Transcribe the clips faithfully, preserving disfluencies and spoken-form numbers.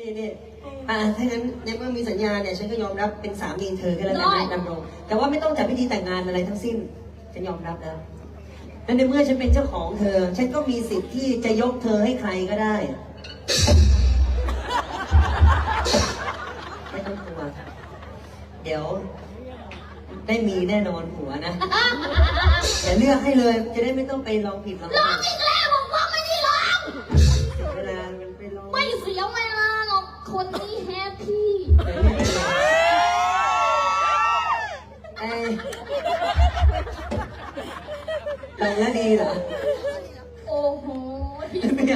นี่นี่อ่าถ้างั้นในเมื่อมีสัญญาเนี่ยฉันก็ยอมรับเป็นสามีเธอก็แล้วกันนะดำรงแต่ว่าไม่ต้องจัดพิธีแต่งงานอะไรทั้งสิ้นฉันยอมรับแล้วและในเมื่อฉันเป็นเจ้าของเธอฉันก็มีสิทธิ์ที่จะยกเธอให้ใครก็ได้ไม่ต้องกลัวเดี๋ยวได้มีแน่นอนหัวนะแต่เลือกให้เลยจะได้ไม่ต้องไปลองผิดลองร้องอีกแล้วบอกว่าไม่ได้ร้องเวลามันไปลองไม่เสียเวลาหรอกคนนี้แฮปปี้ไอ้ลองแล้วดีเหรอโอ้โหเมีย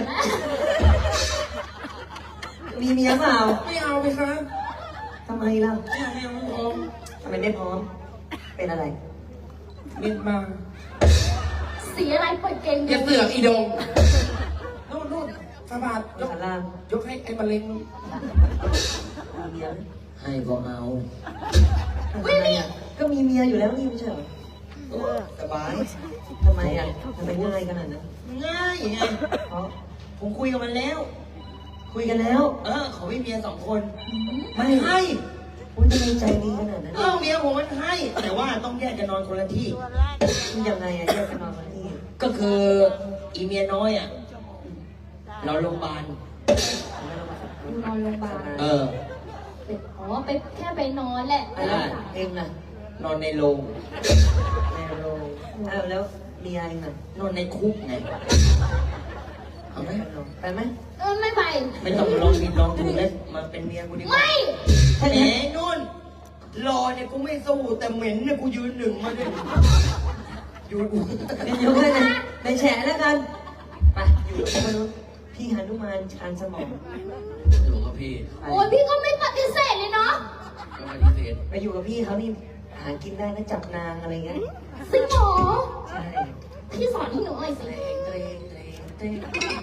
มีเมียเปล่าไม่เอาไปครับทำไมล่ะไม่เอาไม่เอาไม่เอาทำไมไม่พร้อมเป็นอะไรเมียนมาสีอะไรเปิดเก่งอย่าเสือกอีดงนู่นนู่นสบาดยกสารายกให้ไอ้มะเร็งมีเมียไหมให้ก็เอาทำไมอ่ะก็มีเมียอยู่แล้วนี่ไม่ใช่เหรอสบายทำไมอ่ะทำไมง่ายขนาดนั้นง่ายไงเพราะผมคุยกับมันแล้วคุยกันแล้วเออเขาไม่เมียสองคนไม่ให้คุณจะมีใจดีขนาดนั้นเออเมียผมมันให้ แต่ว่าต้องแยกกันนอนคนละที่คุณยังไงอ่ะแยกกันนอนกันที่ก็คืออีเมียน้อยอ่ะเราโรงพยาบาลอยู่นอนโรงพยาบาลเอออ๋อไปแค่ไปนอนแหละอะไรเองน่ะนอนในโรงในโรงอ้าวแล้วเมียเองน่ะนอนในคุกไงเอาไหมไปไหมเออไม่ไปไม่ต้องลองผิดลองถูกเลยมาเป็นเมียกูดีกว่าไม่ถ้าแหมอย่างนั้นนุ่นรอเนี่ยกูไม่สู้แต่เหม็นเนี่ยกูยืนหนึ่งมาเนี่ยอยู่กูเป็นยกให้เลยในแฉแล้วกัน ไปอยู่กับมนุษย์พี่หนุมานชานสมองอยู่กับพี่ไปโอ้ยพี่ก็ไม่ปฏิเสธเลยเนาะก็ปฏิเสธไปอยู่กับพี่เขานี่หากินได้นะจับนางอะไรเงี้ยสิหมอใช่พี่สอนให้หนูหน่อยสิเตรงเตรงเตรงเตรง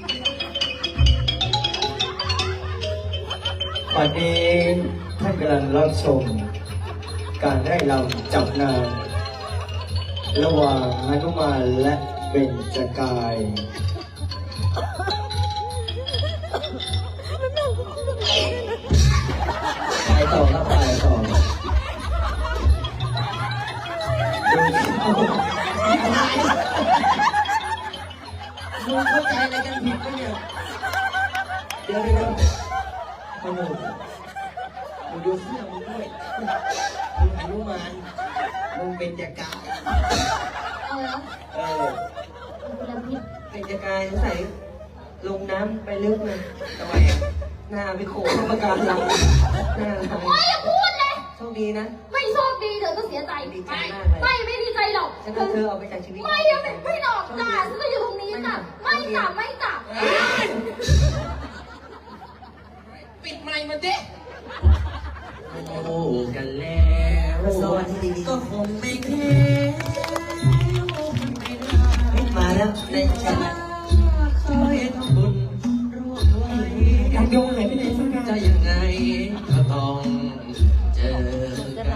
วันนี้ท่านกำลังรับชม การได้ลำจับนางระหว่างหนุมานและเบญจกายไปต่อครับไปต่อดูมึงเข้าใจอะไรกันผิดปะเนี่ยเดี๋ยวเดี๋ยวมึงมึงดูเสื้อมึงด้วยมึงอนุมานมึงเป็นจักรเอาละเออคุณลำพิษเป็นจะกายใส่ลงน้ำไปลึกเลยทำไมอ่ะหน้าไปโขกเข้าประการหลังหน้าหลังโอ้ยอย่าพูดเลยโชคดีนะไม่โชคดีเดี๋ยวก็เสียใจดีใจไม่มากเลยไม่ไม่ดีใจหรอกฉันเอาเธอออกไปจากชีวิตไม่เดี๋ยวไม่ไม่หรอกจ้าฉันก็อยู่ตรงนี้จ้ะไม่จ้ะไม่จ้ะปิดไมค์มาดิโอ้กันแล้วสวัสดีดีก็คงไม่แค่มาแล้วในแชทเคยทำบุญร่วมไว้อยากโยงไหนไปไหนสักอย่างจะยังไงก็ต้องเจอกัน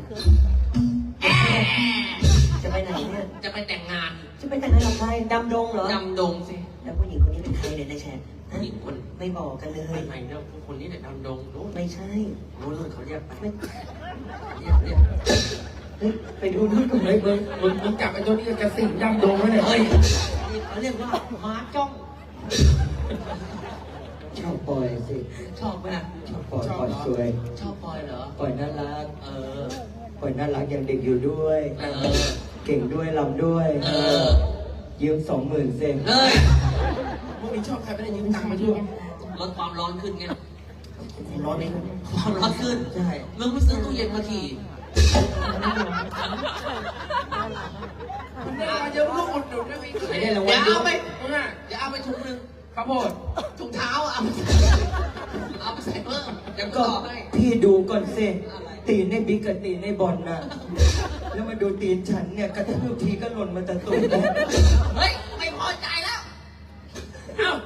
จะไปไหนเนี่ยจะไปแต่งงานจะไปแต่งงานกับใครดำดงเหรอดำดงสิแล้วผู้หญิงคนนี้เป็นใครเนี่ยในแชทฮะผู้หญิงคนไม่บอกกันเลไม่ยไม่เนี่ยคนนี้เนี่ยดำดงรู้ไหมไม่ใช่รู้เลยเขาเรียกไปไม่เรียกเรียกเฮ้ยไปดูนู่นก่อนเลเฮ้ยยมึงมึงมึงจับไอ้ตัวนี้กับกระสิงดำดงไว้เลยเฮ้ยนี่เขาเรียกว่าม้าจ้องชอบปล่อยสิชอบไหมล่ะชอบปล่อยปล่อยสวยชอบปอยเหรอปล่อยน่ารักเออปล่อยน่ารักยังเด็กอยู่ด้วยเออเก่งด้วยลำด้วยเออยืมสองหมื่นเซนเฮ้ยพวกนี้ชอบใครไม่ได้ยืมตังค์มาช่วยลดความร้อนขึ้นไงร้อนไหมความร้อนขึ้นใช่มึงไปซื้อตู้เย็นมาขี่เดี๋ยวลูกอุดหนุนได้ไหมไม่ได้รางวัลเดี๋ยวเอาไปมึงอ่ะเดี๋ยวเอาไปถุงหนึงข้าวโพดถุงเท้าเอาไปใส่เอาไปใส่เพิ่มเดี๋ยวก็ก็ต่อให้พี่ดูก่อนสิตีนในบิ๊กกับตีนในบอลน่ะ แล้วมาดูตีนฉันเนี่ยกระทืบทีก็หล่นมาแต่ตูดเฮ้ย ไม่พอใจแล้ว เอ้า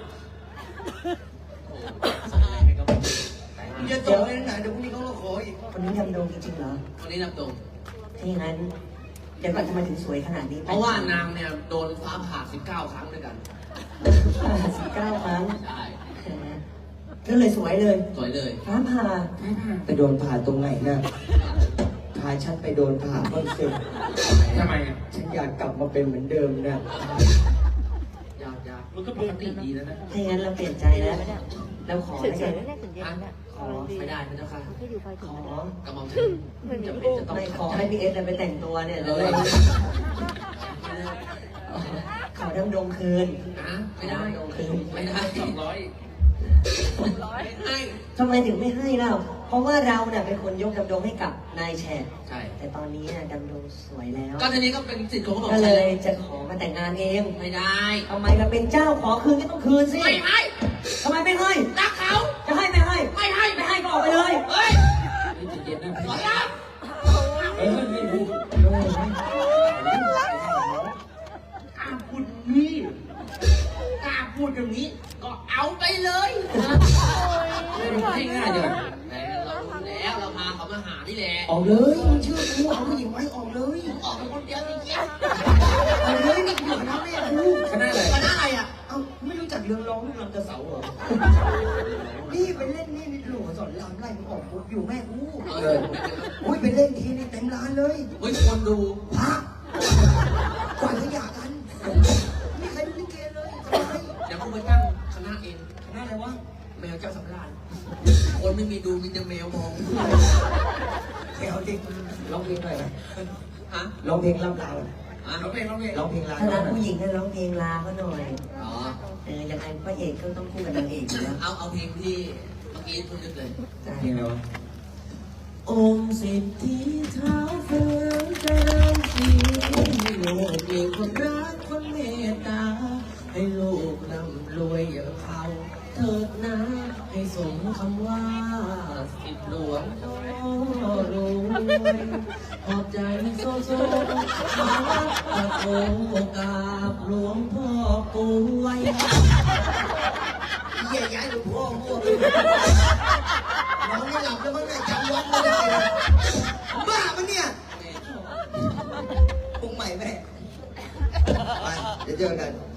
มึงจะจบเลยนะเดี๋ยวพรุ่งนี้เขาก็ขออีกคนนี้ดำดงจริงๆเหรอวันนี้นับตรงถ้าอย่างนั้นเดี๋ยวก่อนทำไมถึงสวยขนาดนี้เพราะว่านางเนี่ยโดนฟ้าผ่าสิบเก้าครั้งด้วยกันสิบเก้าครั้งใช่แหมก็เลยสวยเลยสวยเลยฟ้าผ่าไปโดนผ่าตรงไหนน่ะพาฉันไปโดนผ่าบ้างสิทำไมอ่ะฉันอยากกลับมาเป็นเหมือนเดิมนะยากยากมันก็ปกติดีแล้วนะถ้าอย่างนั้นเราเปลี่ยนใจแล้วเราขอแล้วกันขอไม่ได้นะเจ้าค่ะขอกระหม่อมฉันจะเป็นจะต้องไม่ขอให้พี่เอสไปแต่งตัวเนี่ยเลเลย ยขอดำดงคืนนะไม่ได้ดำดงคืนไม่ได้สองร้อยไม่ให้ทำไมถึงไม่ให้เล่าเพราะว่าเราเนี่ยเป็นคนยกดำดงให้กับนายแฉกใช่แต่ตอนนี้น่ะดำดงสวยแล้วก็ทีนี้ก็เป็นสิทธิ์ของกระหม่อมก็ฉันเลยจะขอมาแต่งงานเองไม่ได้ทำไมเราเป็นเจ้าขอคืนก็ต้องคืนสิไม่ให้ทำไมไม่ให้รักเขาจะให้ไม่ให้ไม่ให้ไม่ให้ก็ออกไปเลยเฮ้ยนี่จะเย็นนะขอรับเออไม่รู้กล้าพูดนี่กล้าพูดอย่างนี้ ก็เอาไปเลยให้ง่ายเดี๋ยวแต่เรารู้แล้วเราพาเขามาหานี่แหละออกเลยมึงเชื่อกูเอาผู้หญิงไว้ออกเลยออกเป็นคนเดียวจริงออกเลยนี่อยู่คณะแม่กูคณะอะไรๆคณะอะไรอ่ะเอ้าไม่รู้จักเรื่องร้องเรื่องรำกระเสาเหรอ นี่ไปเล่นนี่นี่หลวงสอนรามไล่มึงออกปุ๊บอยู่แม่กูเอออุ้ยไปเล่นทีนี่เต็มร้านเลยเฮ้ยคนดูพระกว่าจะหย่ากันไม่ใครดูลิเกเลยทำไมเดี๋ยวกูไปตั้งคณะเองคณะอะไรวะแมวเจ้าสำราญคนไม่มีดูมีแต่แมวมองแกเอาจริงร้องเพลงหน่อยนะฮะร้องเพลงล่ำลาอ่ะร้องเพลงร้องเพลงร้องเพลงลาถ้ารักผู้หญิงก็ร้องเพลงลาเขาหน่อยอ๋อเออยังไงพระเอกก็ต้องคู่กับนางเอกอยู่แล้วเอาเอาเพลงที่เมื่อกี้พูดนึกเลยเพลงอะไรวะองค์สิทธิเท้าเฟืองเจริญศรีให้ลูกมีคนรักคนเมตตา ให้ลูกร่ำรวยอย่างเขาเถิดนะให้สมคำว่าสิทธิหลวงพ่อรวยขอบใจโซโซมาวัดตะโกกราบหลวงพ่อป่วยเยี่ยย้ายหลวงพ่อมั่วไปน้องไม่หลับแล้วมั้งเนี่ยจำวัดไม่ได้เลยบ้ามันเนี่ยปรุงใหม่แม่ไปเดี๋ยวเจอกัน